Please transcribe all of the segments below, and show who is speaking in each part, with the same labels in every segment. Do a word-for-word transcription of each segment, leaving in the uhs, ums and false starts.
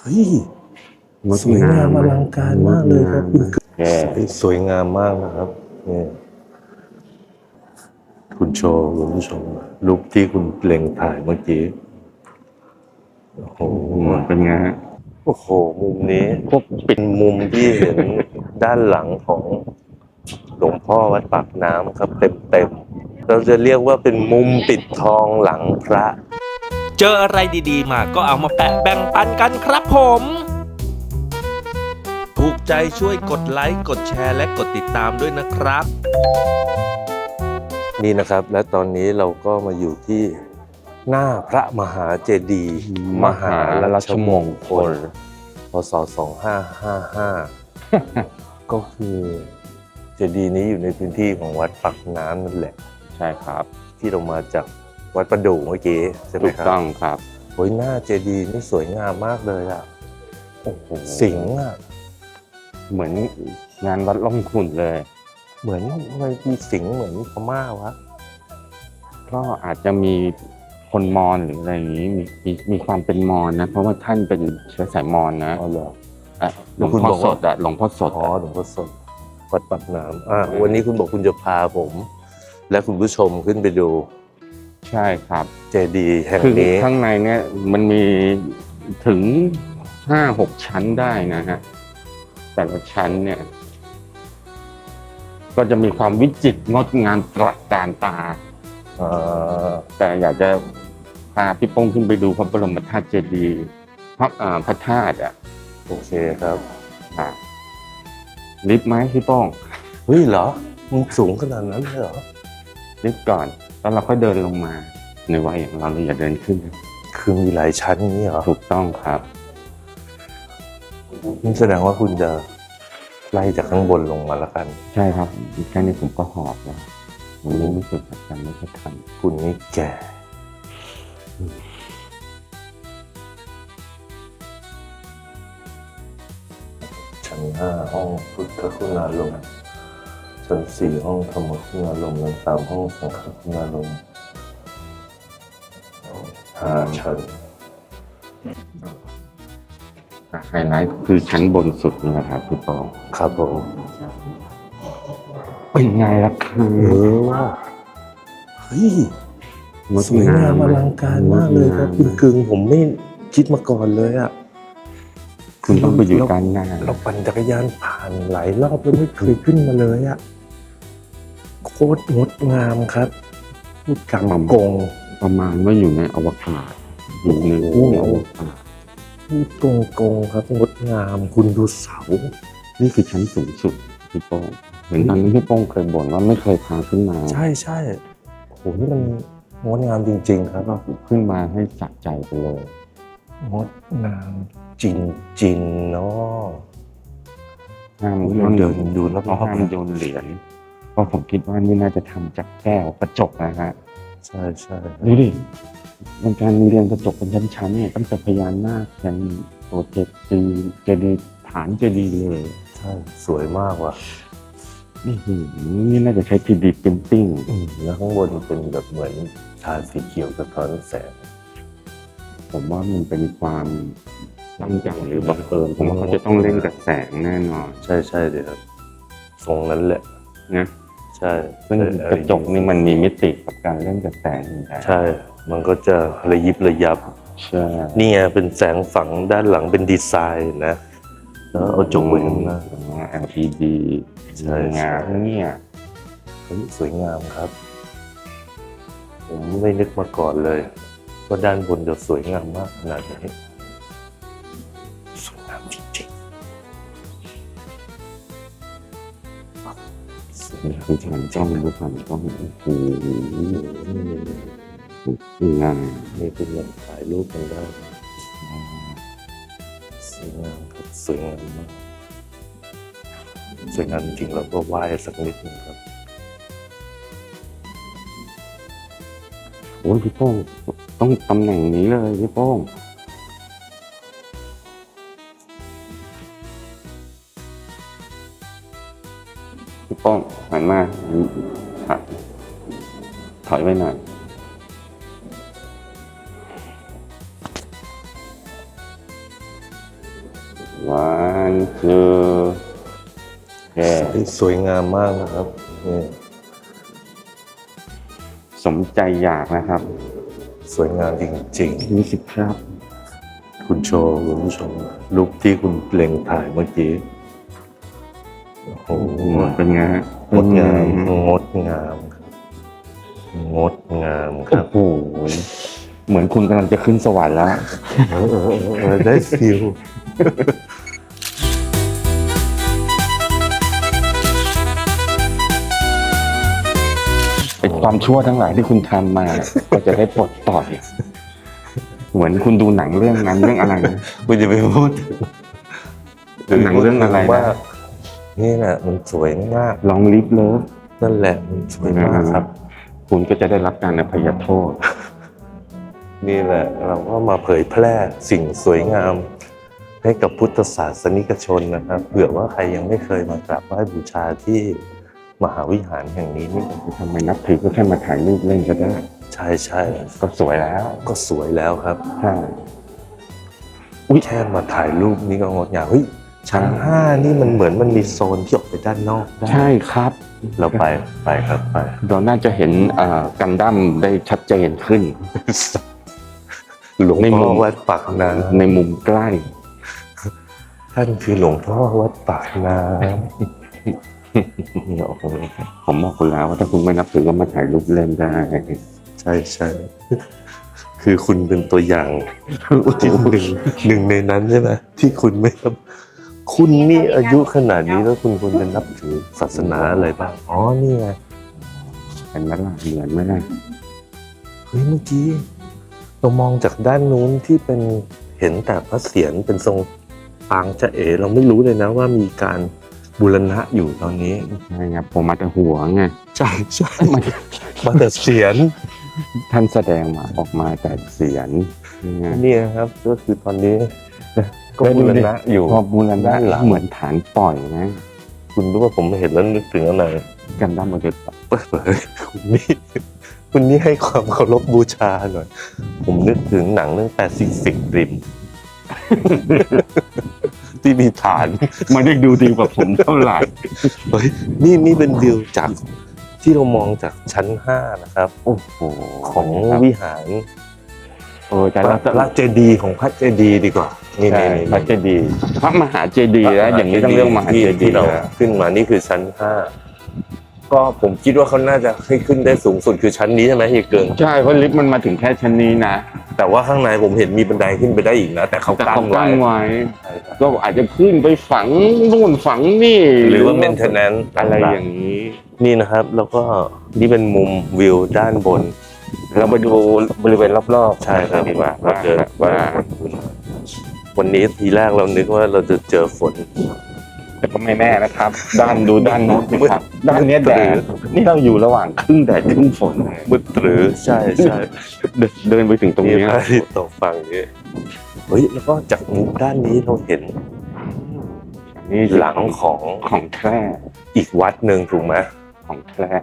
Speaker 1: เฮ้ยสวยงามอลังการมากเลยครับคุณสวยงามมากนะครับนี่คุณโชว์คุณผู้ชมรูปที่คุณเล็งถ่ายเมื่อกี้โอ้โห
Speaker 2: เป็นไงฮะ
Speaker 1: โอ้โหมุมนี้เป็นมุมที่เห็นด้านหลังของหลวงพ่อวัดปากน้ำครับเต็มๆเราจะเรียกว่าเป็นมุมปิดทองหลังพระ
Speaker 3: เจออะไรดีๆมาก็เอามาแปะแบ่งปันกันครับผม ถูกใจช่วยกดไลค์กดแชร์และกดติดตามด้วยนะครับ
Speaker 1: นี่นะครับและตอนนี้เราก็มาอยู่ที่หน้าพระมหาเจดีย์มหาราชมงคลพ.ศ. สองพันห้าร้อยห้าสิบห้า ก็คือเจดีย์นี้อยู่ในพื้นที่ของวัดปากน้ำนั่นแหละ
Speaker 2: ใช่ครับ
Speaker 1: ที่เรามาจากวัดประดู่เมื่อกี้ใช่ไหมครับ
Speaker 2: ถูกต้องครับ
Speaker 1: โอ้ยหน้าเจดีย์นี่สวยงามมากเลยอ่ะโอ้โหสิงห์อ่ะ
Speaker 2: เหมือนงานวัดล่องขุ่นเลย
Speaker 1: เหมือนมันมีสิงห์เหมือนพม่าวะ
Speaker 2: ก็อาจจะมีคนมอญหรืออะไรอย่างนี้มีมีมีความเป็นมอญนะเพราะว่าท่านเป็นเชื้อสายมอญนะ
Speaker 1: อ๋อเหรอ
Speaker 2: หลวงพ่อสดอะหลวงพ่อสด
Speaker 1: อ๋อหลวงพ่อสดวัดปากน้ำอ่าวันนี้คุณบอกคุณจะพาผมและคุณผู้ชมขึ้นไปดู
Speaker 2: ใช่ครับ
Speaker 1: เจดีย์แห่งนี้
Speaker 2: ข้างในเนี่ยมันมีถึงห้าหกชั้นได้นะฮะแต่ละชั้นเนี่ยก็จะมีความวิจิตรงดงามตระการตาแต่อยากจะพาพี่ป้งขึ้นไปดูพระบรมธาตุเจดีย์พระพระธาตุอ่ะ
Speaker 1: โอเคครับ
Speaker 2: ลิฟต์ไหมพี่ป้ง
Speaker 1: เฮ้ยเหรอมันสูงขนาดนั้นเลยเหรอ
Speaker 2: ลิฟต์ก่อนแล้วเราค่อยเดินลงมาในวัยอย่างเราเราอย่าเดินขึ้น
Speaker 1: คือมีหลายชั้นนี้เหรอ
Speaker 2: ถูกต้องครับ
Speaker 1: นี่แสดงว่าคุณจะไล่จากข้างบนลงมาแล้วกัน
Speaker 2: ใช่ครับแค่นี้ผมก็หอบแล้วผมยังรู้สึกแบบจำไม่ค่อยทัน
Speaker 1: คุณนี่แก่ชั้นห้าห้องพุทธคุณารมณ์ชั้นสี่ห้องธรรมคุณารมณ์ชั้นสามห้องสังฆคุณารมณ์ห้าชั้น
Speaker 2: ไฮไลท์คือชั้นบนสุดนี่แหละครับพี่ปอง
Speaker 1: ครับผม
Speaker 2: เป็นไงล่ะคือ
Speaker 1: เออเฮ้ยสวยงามอลังการมากเลยครับคุณกึ่งผมไม่คิดมาก่อนเลยอ่ะ
Speaker 2: คุณต้องไปอยู่ด้านหน้า
Speaker 1: เราปั่นจักรยานผ่านหลายรอบแล้วไม่เคยขึ้นมาเลยอ่ะโคตรงดงามครับพูดกำกง
Speaker 2: ประมาณว่าอยู่ในอวกาศอยู่ในห้วงอวกาศ
Speaker 1: พูดตรงๆครับงดงามคุณดูเสา
Speaker 2: นี่คือชั้นสูงสุดพี่โป้งเหมือนตอนนี้พี่โป้งเคยบ่นว่าไม่เคยพาขึ้นมา
Speaker 1: ใช่ใช่โหนี่มันงดงามจริงๆครับ
Speaker 2: ก็ขึ้นมาให้สะใจไปเลย
Speaker 1: งดงามจริงๆเนาะ
Speaker 2: ห้ามเดินดูแล้วก็ห้ามโยนเหรียญเพราะผมคิดว่านี่น่าจะทำจากแก้วกระจกนะฮะ
Speaker 1: ใช่ใช่
Speaker 2: ดูดิมันการเรียงกระจกเป็นชั้นๆเนี่ยตั้งแต่พญานาคยันโปรเจกต์ตีเจดีย์ฐานเจดีย์เลย
Speaker 1: ใช่สวยมากว่ะ
Speaker 2: นี่นี่น่าจะใช้ ทรี ดี Printing
Speaker 1: แล้วข้างบนเป็นแบบเหมือนทาสีเขียวสะท้อนแสง
Speaker 2: ผมว่ามันเป็นความตั้งใจหรือบังเอิญผมว่าเขาจะต้องเล่นกับแสงแน่นอน
Speaker 1: ใช่ใช่เลยครับทรงนั้นแหละ
Speaker 2: นะ
Speaker 1: ใช่
Speaker 2: ซึ่งกระจกนี่มันมีมิติกับการเล่นกับแสง
Speaker 1: ใช่มันก็จะระยิบระยับ
Speaker 2: ใช่
Speaker 1: นี่ไงเป็นแสงฝังด้านหลังเป็นดีไซน์นะแล้วเอาจกไว้ข้างหน้า
Speaker 2: แอล อี ดี
Speaker 1: ใช่
Speaker 2: งามเนี่ย
Speaker 1: สวยงามครับผมไม่นึกมาก่อนเลยว่าด้านบนจะสวยงามมากขนาดนี้สวยงามจริง
Speaker 2: ๆนี่คือฉันจ้องดูผ่านกล้องโอ้โหงาม
Speaker 1: นี่เป็นแบบถ่ายรูปกันได้สวยงามครับสวยงามมากสวยงามจริงๆแล้วก็ไหว้สักนิดนึงครับ
Speaker 2: โอ้ยพี่โป้งต้องตำแหน่งนี้เลยพี่โป้งพี่โป้งหันมาถอยไว้หน่อย one two โอเค
Speaker 1: สวยงามมากนะครับนี่
Speaker 2: สมใจอยากนะครับ
Speaker 1: สวยงามจริง
Speaker 2: ยี่สิบครับ
Speaker 1: ๆ คุณโชว์คุณผู้ชมรูปที่คุณเล็งถ่ายเมื่อกี้โอ้โห
Speaker 2: เป็นไงฮะ
Speaker 1: งดงามงดงามครับงดงามค
Speaker 2: โอ้
Speaker 1: รับ
Speaker 2: โหเหมือนคุณกำลังจะขึ้นสวรรค์แล้ว
Speaker 1: เออเออเออได้ฟิล
Speaker 2: เป็นความชั่วทั้งหลายที่คุณทำมา ก็จะได้ปลดปล่อยเหมือนคุณดูหนังเรื่องนั้นเรื่องอะไรนะ
Speaker 1: คุณจะไปพูด
Speaker 2: หนังเรื่องอะไรนะ
Speaker 1: ว่านี่แหละมันสวยมาก
Speaker 2: ลองลิฟเลิฟ
Speaker 1: นั่นแหละมันสวยมากครับ
Speaker 2: คุณก็จะได้รับการอภัยโทษ
Speaker 1: นี่แหละเราก็มาเผยแพร่สิ่งสวยงาม ให้กับพุทธศาสนิกชนนะครับเผื่อว่าใครยังไม่เคยมากราบไหว้บูชาที่มหาวิหารแห่งนี้นี่
Speaker 2: ทำไมนับถือก็แค่มาถ่ายรูปเล่นก็ได้
Speaker 1: ใช่ใช่
Speaker 2: ก็สวยแล้ว
Speaker 1: ก็สวยแล้วครับ
Speaker 2: ใช่
Speaker 1: อุ้ยแค่มาถ่ายรูปนี่ก็งดงามเฮ้ยชั้นห้านี่มันเหมือนมันมีโซนที่ออกไปด้านนอกได้
Speaker 2: ใช่ครับ
Speaker 1: เราไปไปครับไป
Speaker 2: เราน่าจะเห็นเอ่อกันดั้มได้ชัดเจนขึ้น
Speaker 1: หลวง
Speaker 2: ในมุ
Speaker 1: พ่อ
Speaker 2: ม
Speaker 1: วัดปากน้
Speaker 2: ในมุมใกล้
Speaker 1: ำท่านคือหลวงพ่อวัดปากน้ำเนี่ยโอ้โห
Speaker 2: ผมบอกคุณแล้วว่าถ้าคุณไม่นับถือก็มาถ่ายรูปเล่นได้
Speaker 1: ใช่ใช่คือคุณเป็นตัวอย่างที่หนึ่งหนึ่งในนั้นใช่ไหมที่คุณไม่รับคุณนี่อายุขนาดนี้แล้วคุณควรจะนับถือศาสนาอะไรบ้างอ๋อนี่ไง
Speaker 2: เห็นไหมล่ะเหมือนไหมล่ะ
Speaker 1: เฮ้ยเมื่อกี้เรามองจากด้านนู้นที่เป็นเห็นแต่พระเศียรเป็นทรงปางจะเอ๋เราไม่รู้เลยนะว่ามีการบูรณะอยู่ตอนนี้
Speaker 2: ใช่ครับผมมาแต่หัวไง
Speaker 1: ใช่ใช่มาแต่เสียร
Speaker 2: ท่านแสดงมาออกมาแต่เสียงนี่ไง
Speaker 1: นี่นะครับก็คือตอนนี้ก็บูรณะอยู่
Speaker 2: พอบูรณะ
Speaker 1: ด้านหลัง
Speaker 2: เหมือนฐานปล่อยนะ
Speaker 1: คุณรู้ว่าผมเห็นแล้วนึกถึงอะไร
Speaker 2: กันดั้มโมเดล
Speaker 1: เปิดเผยคุณนี่คุณนี่ให้ความเคารพบูชาหน่อย ผมนึกถึงหนังเรื่องแปซิฟิกริม ที่มีฐาน
Speaker 2: ไม่ได้ดูดีกว่าผมเท่าไหร่
Speaker 1: เฮ้ยนี่นี่เป็นวิวจากที่เรามองจากชั้นห้านะครับ
Speaker 2: โอ้โห
Speaker 1: ของ
Speaker 2: ครับ
Speaker 1: วิหาร
Speaker 2: เออแต่
Speaker 1: พ
Speaker 2: เรา
Speaker 1: ระพระเจดีย์ของพระเจดีย์ดีกว่านี่
Speaker 2: ใช่
Speaker 1: นี่
Speaker 2: พระเจดีย์พระมหาเจดีย์แล้วอย่างนี้ต้องเรียกมหาเจดี
Speaker 1: ที่
Speaker 2: ย์
Speaker 1: เรา
Speaker 2: นะ
Speaker 1: ขึ้นมานี่คือชั้นห้าก็ผมคิดว่าเขาน่าจะให้ขึ้นได้สูงสุดคือชั้นนี้ใช่ไหมเฮียเกิง
Speaker 2: ใช่เพราะลิฟต์มันมาถึงแค่ชั้นนี้นะ
Speaker 1: แต่ว่าข้างในผมเห็นมีบันไดขึ้นไปได้อีกนะ แต่เขา
Speaker 2: แต่
Speaker 1: กั้
Speaker 2: เขา
Speaker 1: น
Speaker 2: กั้
Speaker 1: ไว้
Speaker 2: นไว้
Speaker 1: ใช่ครับ
Speaker 2: ก็อาจจะขึ้นไปฝังนู่นฝังนี่
Speaker 1: หรือว่า maintenance
Speaker 2: อะไรอย่างนี้
Speaker 1: นี่นะครับ แล้วก็นี่เป็นมุมวิวด้านบน
Speaker 2: เราไปดูบริเวณรอบๆ
Speaker 1: ใช่ครับ
Speaker 2: ดีกว่า
Speaker 1: เราเจอ
Speaker 2: ว่า
Speaker 1: วันนี้ทีแรกเรานึกว่าเราจะเจอฝน
Speaker 2: แต่ก็ไม่แน่นะครับ ด้านดูด้านโน้นสิครับ ด้านเนี้ยแด
Speaker 1: หรือ
Speaker 2: ดนี่เราอยู่ระหว่างครึ่งแดดครึ่งฝน
Speaker 1: มืดหรือใช่ใช่
Speaker 2: เดินเดินไปถึงตรง
Speaker 1: มี
Speaker 2: นี้
Speaker 1: พระอาทิตย์ตกฝั่งนี้เฮ้ยแล้วก็จากมุมด้านนี้เราเห็น
Speaker 2: นี่
Speaker 1: หลังของ
Speaker 2: ของแท้
Speaker 1: อีกวัดหนึ่งถูกไหม
Speaker 2: ของแท้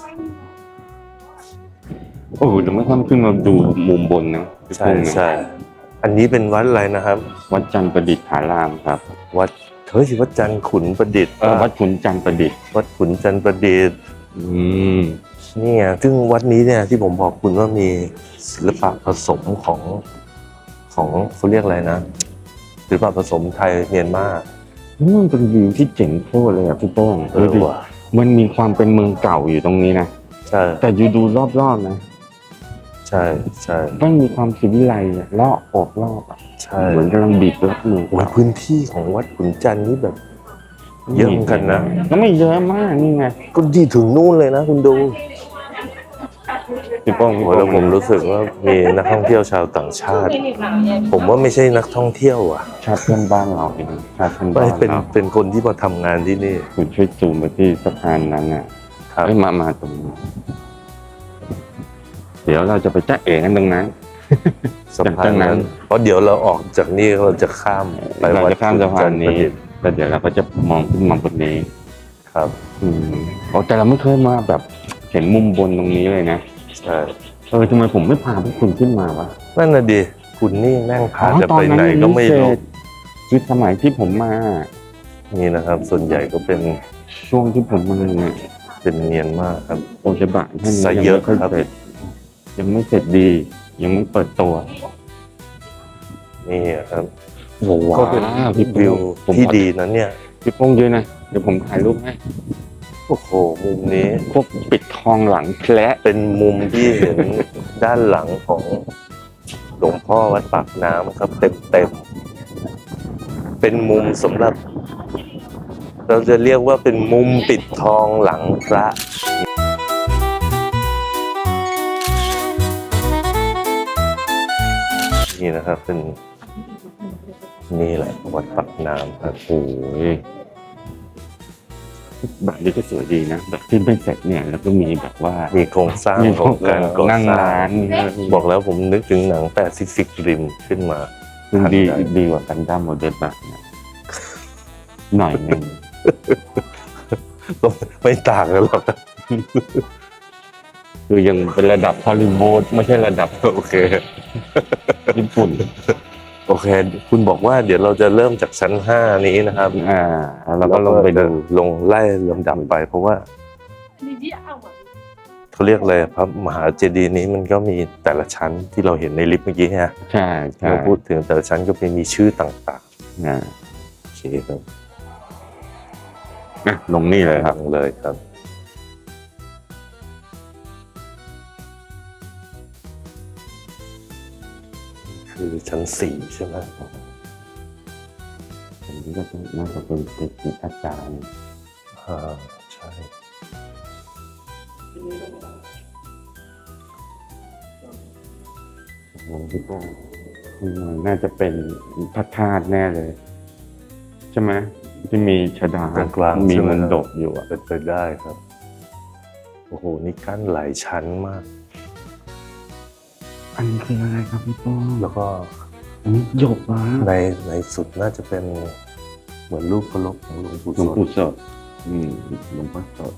Speaker 2: โอ้เดี๋ยวไม่ค่อยขึ้นมาดูมุมบนนะ
Speaker 1: ใช่ใช่อันนี้เป็นวัดอะไรนะครับ
Speaker 2: วัดจันทร์ประดิษฐารามครับ
Speaker 1: วัดเฮ้ยวัดจันทร์ขุนประดิษฐ์
Speaker 2: เออวัดขุนจันทร์ประดิษฐ์
Speaker 1: วัดขุนจันทร์ประดิษฐ์
Speaker 2: อืม
Speaker 1: นี่ไงซึ่งวัดนี้เนี่ยที่ผมบอกคุณว่ามีศิลปะผสมของของเขาเรียกอะไรนะศิลปะผสมไทยเมียนมา
Speaker 2: นี่มันเป็นวิวที่เจ๋งโคตรเลยอ่ะพี่โป้ง
Speaker 1: เออ
Speaker 2: ดูดิ
Speaker 1: ว่ะ
Speaker 2: มันมีความเป็นเมืองเก่าอยู่ตรงนี้นะ
Speaker 1: ใช่
Speaker 2: แต่อยู่ดูรอบๆนะ
Speaker 1: ใช่ใช่
Speaker 2: มันมีความสิวิไลซ์อะรอบโอบรอบอะ
Speaker 1: ใช่
Speaker 2: เหมือนกำลังบีบรับมือ
Speaker 1: โอ้ยพื้นที่ของวัดขุนจันทร์นี่แบบ เยอะเหมือนกันนะ
Speaker 2: ก็ไม่เยอะมากนี่ไง
Speaker 1: ก็ที่ถึงนู่นเลยนะคุณดู
Speaker 2: พี่โป้งพี่
Speaker 1: โอ้
Speaker 2: โป้
Speaker 1: แล้ว
Speaker 2: ง
Speaker 1: ผมรู้สึกว่ามีนักท่องเที่ยวชาวต่างชาติ ผมว่าไม่ใช่นักท่องเที่ยวอ่ะ
Speaker 2: ชาติเพื่อนบ้านเราเองชาติเพื่อน
Speaker 1: ไม่
Speaker 2: บ้าน
Speaker 1: เป็น
Speaker 2: เรา
Speaker 1: เป็นคนที่มาทำงานที่นี่
Speaker 2: คุณช่วยซูมไปที่สะพานนั้นน่ะ
Speaker 1: ครับ
Speaker 2: เอ้ยมามาตรงนี้เดี๋ยวเราจะไปจ้าเอ๋กันตรงนั้น
Speaker 1: สะพานนั้น เพราะเดี๋ยวเราออกจากนี่เราจะข้ามไป
Speaker 2: เรา
Speaker 1: วัด
Speaker 2: จะข้ามสะพานนี้
Speaker 1: ขุจัทร์ประดิษฐ์
Speaker 2: แล้วเดี๋ยวเราก็จะมองขึ้นมองบนนี้
Speaker 1: ครับ
Speaker 2: อืมโอ้แต่เราไม่เคยมาแบบเห็นมุมบนตรงนี้เลยนะ
Speaker 1: ใช่
Speaker 2: เออทำไมผมไม่พาพวกคุณขึ้นมาวะ
Speaker 1: นั่นน่ะดิคุณนี่แม่งพา
Speaker 2: อ๋อ
Speaker 1: จะ
Speaker 2: ตอน
Speaker 1: ไป
Speaker 2: นั้น
Speaker 1: ไหนก็ไม่รู้
Speaker 2: ยังไม่เสร็จคือสมัยที่ผมมา
Speaker 1: นี่นะครับ ส่วนใหญ่ก็เป็น
Speaker 2: ช่วงที่ผมมาเนี่ย
Speaker 1: เป็นเนียนมากครับ
Speaker 2: โอเชบะท่านนี้
Speaker 1: ซะ
Speaker 2: ยัง
Speaker 1: เยอะ
Speaker 2: ไม่ค่อย
Speaker 1: ครับ
Speaker 2: เสร็จยังไม่เสร็จดี ยังไม่เปิดตัว
Speaker 1: นี่ครับ
Speaker 2: โอ้ว้า
Speaker 1: ก็เป็น
Speaker 2: วพี่
Speaker 1: วิว
Speaker 2: ผม
Speaker 1: ที่ดีนะเนี่ย
Speaker 2: พี่โป้งยืนนะเดี๋ยวผมถ่ายรูปให้
Speaker 1: โอ้โห มุมนี้
Speaker 2: พวกปิดทองหลังแคละ
Speaker 1: เป็นมุมที่เห็น ด้านหลังของหลวงพ่อวัดปากน้ำครับ เต็มเต็มๆเป็นมุมสำหรับ เราจะเรียกว่าเป็นมุมปิดทองหลังพระ นี่นะครับเป็นนี่แหละวัดปากน้ำครับ
Speaker 2: โอ้ยแบบนี้ก็สวยดีนะแบบที่ไม่เสร็จเนี่ยแล้วก็มีแบบว่า
Speaker 1: มีโครงสร้างของการก่อ
Speaker 2: นั่ง
Speaker 1: สร้า
Speaker 2: ร้าง นเนี่ย
Speaker 1: บอกแล้วผมนึกถึงหนังแปซิฟิกริมขึ้นมา
Speaker 2: คือดี
Speaker 1: ทันใ
Speaker 2: ดีกว่ากันดั้มโมเดลแบบเนี่ยหน่อยหนึ่ง
Speaker 1: ก็ไม่ต่างกันหรอก
Speaker 2: คือยังเป็นระดับฮอลลีวูดไม่ใช่ระดับ
Speaker 1: โอเค
Speaker 2: ญี่ปุ่น
Speaker 1: โอเค คุณบอกว่าเดี๋ยวเราจะเริ่มจากชั้นห้านี้นะครับ
Speaker 2: อ่าแล้วก็ลงไปดู
Speaker 1: ลงไล่ลำดับไป เพราะว่าเขาเรียกอะไรพระมหาเจดีย์นี้มันก็มีแต่ละชั้นที่เราเห็นในลิฟต์เมื่อกี้ฮะ
Speaker 2: ใช่ใช่
Speaker 1: เราพูดถึงแต่ละชั้นก็เป็นมีชื่อต่าง
Speaker 2: อ่า
Speaker 1: ๆโอเคครับ
Speaker 2: อ่ะลงนี่เลยครับ
Speaker 1: ลงเลยครับ คือชั้นสี่ใช่ไหม
Speaker 2: อันนี้ก็น่าจะเป็นเด็กอาจารย์
Speaker 1: อ่าใช่
Speaker 2: ผมคิดว่าอืมน่าจะเป็นพระธาตุแน่เลย ใช่ไหมที่มีชดา
Speaker 1: ตรงกลาง
Speaker 2: มี
Speaker 1: ใช่ไห
Speaker 2: มัน
Speaker 1: ครับ
Speaker 2: ดกอยู่อ่ะ
Speaker 1: เป็นไปได้ครับ โอ้โห นี่กั้นหลายชั้นมาก
Speaker 2: อันนี้คืออะไรครับพี่ป้อง
Speaker 1: แล้วก็
Speaker 2: อันนี้หยกนะ
Speaker 1: ในในสุดน่าจะเป็นเหมือนรูปเคารพของหลวงปู่
Speaker 2: หลวง
Speaker 1: ส
Speaker 2: ปู่
Speaker 1: ด
Speaker 2: สดอืมหลวงพ่อสด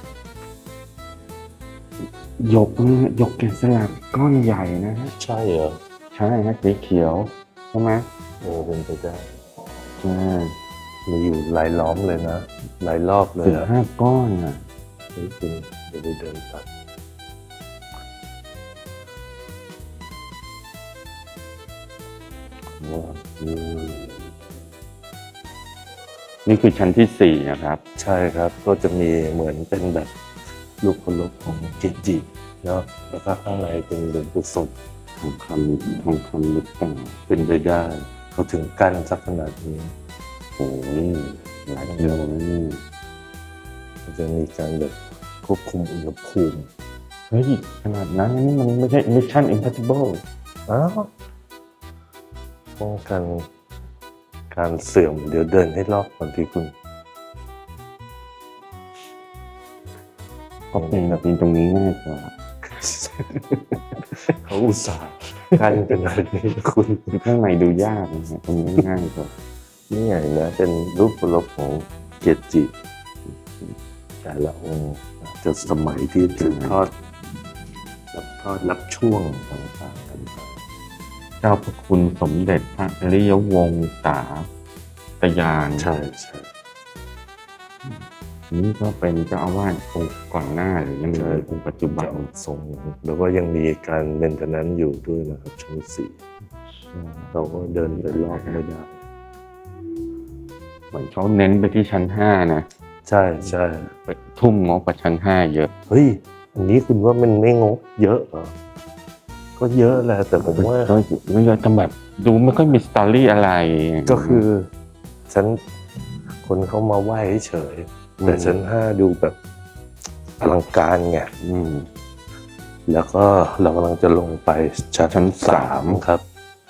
Speaker 2: หยกนะหยกแกะสลักก้อนใหญ่นะฮะ
Speaker 1: ใช่เหรอ
Speaker 2: ใช่ฮะสีเขียวใช่ไหม
Speaker 1: โอ้เป็นไปได้
Speaker 2: ใช่
Speaker 1: มีอยู่หลายล้อมเลยนะ หลายรอบเลย
Speaker 2: สิบ
Speaker 1: อะ
Speaker 2: ห้าก้อนอ่ะ
Speaker 1: เฮ้ยคุณเดี๋ยวไปเดินตัด
Speaker 2: ว้าวอืมนี่คือชั้นที่สี่นะครับ
Speaker 1: ใช่ครับ ก็จะมีเหมือนเป็นแบบรูปเคารพของเกจิเนาะแล้วก็ข้างในเป็นหลวงปู่สด
Speaker 2: ทองคำทองคำลึกต่าง
Speaker 1: เป็นไปได้ เขาถึงกั้นสักขนาดนี้
Speaker 2: โอ้ยหลายกิโลนะนี่
Speaker 1: มันจะมีการแบบควบคุมอุณหภูมิ
Speaker 2: เฮ้ยขนาดนั้นนี่มันไม่ใช่ Mission Impossible
Speaker 1: อ้าวป้องกันการเสื่อมเดี๋ยวเดินให้รอบก่อนที่คุณ
Speaker 2: ก็เป็นแบบนี้ตรงนี้ง่ายกว่า
Speaker 1: เขาอุตส่าห์กั้นเป็นแบบนี้คุณ
Speaker 2: คือข้างในดูยากนะฮะตรงนี้ง่ายกว่า
Speaker 1: นี่ไงนะเป็นรูปเคารพของเกจิแต่ละองค์จะสมัยที่สืบทอดรับทอดรับช่วงต่างๆกันไป
Speaker 2: เจ้าพระคุณสมเด็จพระอริยวงศาตยาน
Speaker 1: ใช่ใช่
Speaker 2: นี่ก็เป็นเจ้าอาวาสองค์ก่อนหน้าหรือยังเลยองค์ปัจจุบัน
Speaker 1: จะทรงแล้วก็ยังมีการเมนเทนแนนซ์อยู่ด้วยนะครับชั้นสี่เราก็เดินไปรอบไม่ได้
Speaker 2: เหมือนเขาเน้นไปที่ชั้นห้านะ
Speaker 1: ใช่ใช่
Speaker 2: ไปทุ่มงบไปชั้นห้าเยอะ
Speaker 1: เฮ้ยอันนี้คุณว่ามันไม่งบเยอะเหรอก็เยอะแหละแต่ผมว่า
Speaker 2: ก็ไม่เยอะแต่แบบดูไม่ค่อยมีสตอรี่อะไร
Speaker 1: ก็คือชั้นคนเขามาไหว้เฉยๆแต่ชั้นห้าดูแบบอลังการไง
Speaker 2: อืม
Speaker 1: แล้วก็เรากำลังจะลงไปชั้น
Speaker 2: ชั้นสา
Speaker 1: สาม มครับ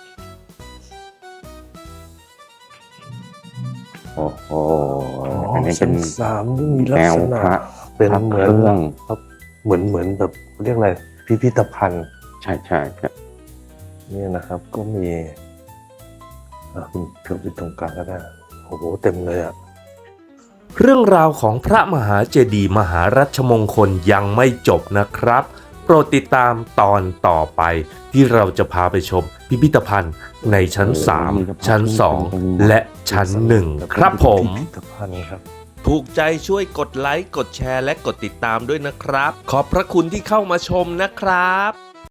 Speaker 2: โอ้โหอันนี้เป็
Speaker 1: ชั้
Speaker 2: น
Speaker 1: นสามนี่มีลั
Speaker 2: แน
Speaker 1: ก
Speaker 2: ว
Speaker 1: ษณะ
Speaker 2: พระ
Speaker 1: เป็น
Speaker 2: พระ
Speaker 1: เห
Speaker 2: เค
Speaker 1: มือน
Speaker 2: รื่อง
Speaker 1: เหมือนเหมือนแบบเรียกอะไรพิพิธภัณฑ์
Speaker 2: ใช่ใช่ครับ
Speaker 1: เนี่ยนะครับก็มีอ่ะคุณเกือบไปตรงกลางก็ได้โอ้โหเต็มเลยอ่ะ
Speaker 3: เรื่องราวของพระมหาเจดีย์มหารัชมงคลยังไม่จบนะครับโปรดติดตามตอนต่อไปที่เราจะพาไปชมพิพิธภัณฑ์ในชั้น สาม ชั้น สอง และชั้น หนึ่ง ครับผม
Speaker 1: พิพิธภัณฑ์ครับ
Speaker 3: ถูกใจช่วยกดไลค์ กดแชร์และกดติดตามด้วยนะครับ ขอบพระคุณที่เข้ามาชมนะครับ